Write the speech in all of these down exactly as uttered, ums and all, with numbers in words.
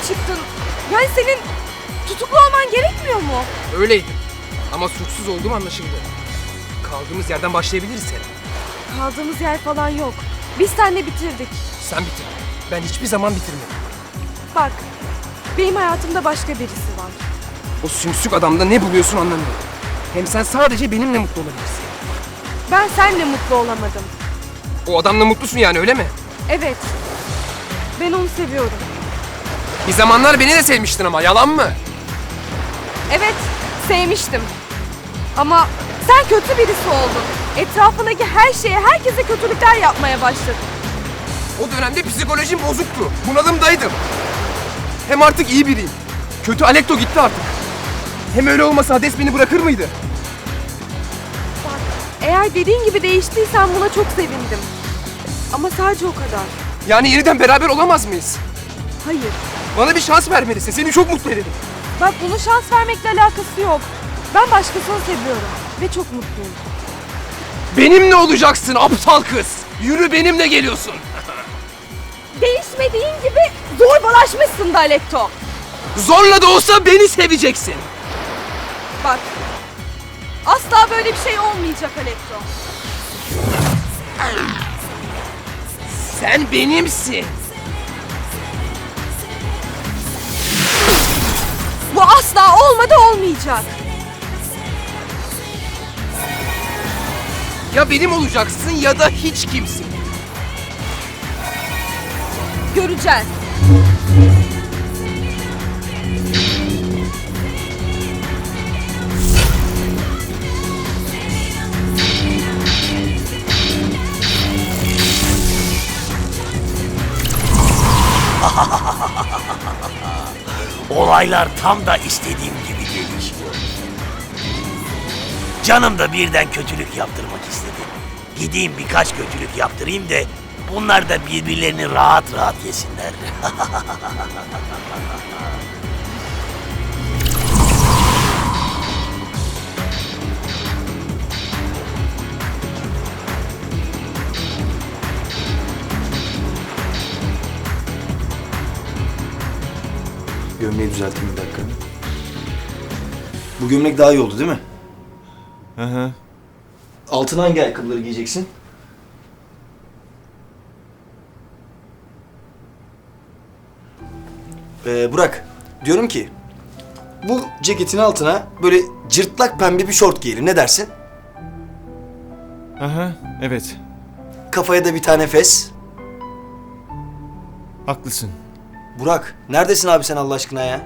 çıktın. Yani senin tutuklu olman gerekmiyor mu? Öyleydim. Ama suçsuz olduğum anlaşıldı. Kaldığımız yerden başlayabiliriz Selen. Kaldığımız yer falan yok. Biz seninle bitirdik. Sen bitir. Ben hiçbir zaman bitirmedim. Bak, benim hayatımda başka birisi var. O sümsük adamda ne buluyorsun anlamıyorum. Hem sen sadece benimle mutlu olabilirsin. Ben seninle mutlu olamadım. O adamla mutlusun yani, öyle mi? Evet. Ben onu seviyorum. Bir zamanlar beni de sevmiştin ama, yalan mı? Evet, sevmiştim. Ama sen kötü birisi oldun. Etrafındaki her şeye, herkese kötülükler yapmaya başladın. O dönemde psikolojim bozuktu. Bunalımdaydım. Hem artık iyi biriyim. Kötü Alekto gitti artık. Hem öyle olmasa Hades beni bırakır mıydı? Bak, eğer dediğin gibi değiştiysen buna çok sevindim. Ama sadece o kadar. Yani yeniden beraber olamaz mıyız? Hayır. Bana bir şans vermelisin. Seni çok mutlu ederim. Bak, bunun şans vermekle alakası yok. Ben başkasını seviyorum ve çok mutluyum. Benimle olacaksın aptal kız. Yürü, benimle geliyorsun. Değişmediğin gibi zorbalaşmışsın da Alekto. Zorla da olsa beni seveceksin. Bak, asla böyle bir şey olmayacak Alekto. Sen benimsin. Bu asla olmadı, olmayacak. Ya benim olacaksın ya da hiç kimsin. Göreceğiz. Olaylar tam da istediğim gibi gelişiyor. Canım da birden kötülük yaptırmak istedi. Gideyim birkaç kötülük yaptırayım da bunlar da birbirlerini rahat rahat yesinler. Gömleği düzelteyim bir dakika. Bu gömlek daha iyi oldu değil mi? Hı hı. Altına hangi ayakkabıları giyeceksin? Ee, Burak, diyorum ki bu ceketin altına böyle cırtlak pembe bir şort giyelim. Ne dersin? Aha, evet. Kafaya da bir tane fes. Haklısın. Burak, neredesin abi sen Allah aşkına ya?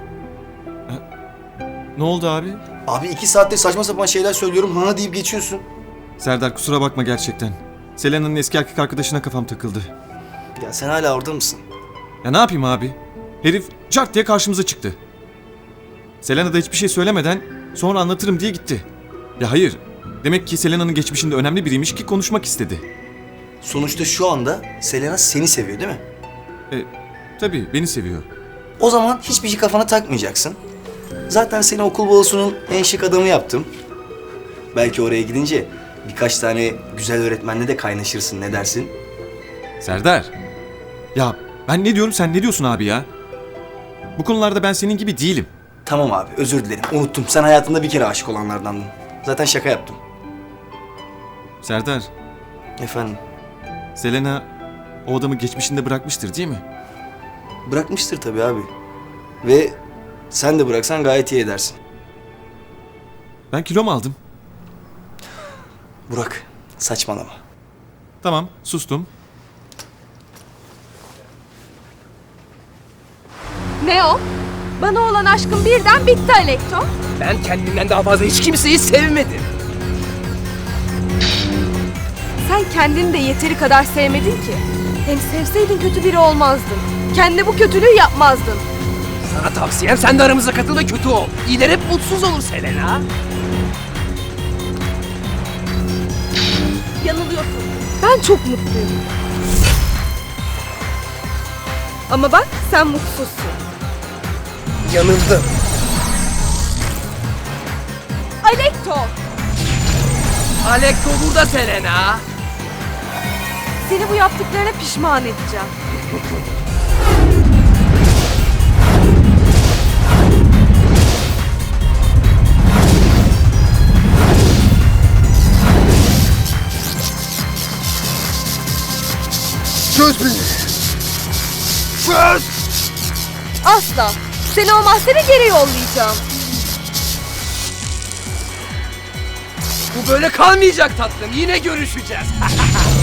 Ne oldu abi? Abi iki saatte saçma sapan şeyler söylüyorum. Hana deyip geçiyorsun. Serdar, kusura bakma gerçekten. Selena'nın eski erkek arkadaşına kafam takıldı. Ya sen hala orada mısın? Ya ne yapayım abi? Herif cart diye karşımıza çıktı. Selena da hiçbir şey söylemeden sonra anlatırım diye gitti. Ya hayır. Demek ki Selena'nın geçmişinde önemli biriymiş ki konuşmak istedi. Sonuçta şu anda Selena seni seviyor değil mi? E, tabii beni seviyor. O zaman hiçbir şey kafana takmayacaksın. Zaten seni okul balosunun en şık adamı yaptım. Belki oraya gidince birkaç tane güzel öğretmenle de kaynaşırsın, ne dersin? Serdar. Ya ben ne diyorum, sen ne diyorsun abi ya? Bu konularda ben senin gibi değilim. Tamam abi, özür dilerim. Unuttum. Sen hayatında bir kere aşık olanlardandın. Zaten şaka yaptım. Serdar, Efendim? Selena o adamı geçmişinde bırakmıştır değil mi? Bırakmıştır tabii abi. Ve sen de bıraksan gayet iyi edersin. Ben kilo mu aldım? Burak, saçmalama. Tamam, sustum. Ne o? Bana olan aşkım birden bitti Alekto. Ben kendimden daha fazla hiç kimseyi sevmedim. Sen kendini de yeteri kadar sevmedin ki. Hem sevseydin kötü biri olmazdın. Kendine bu kötülüğü yapmazdın. Sana tavsiyem, sen de aramıza katıl ve kötü ol. İyiler hep mutsuz olur Selena. Yanılıyorsun. Ben çok mutluyum. Ama bak, sen mutsuzsun. Yanıldım. Alekto! Alekto burada Selena. Seni bu yaptıklarına pişman edeceğim. Çöz beni. Çöz. Asla. Seni o mahzene geri yollayacağım. Bu böyle kalmayacak tatlım. Yine görüşeceğiz.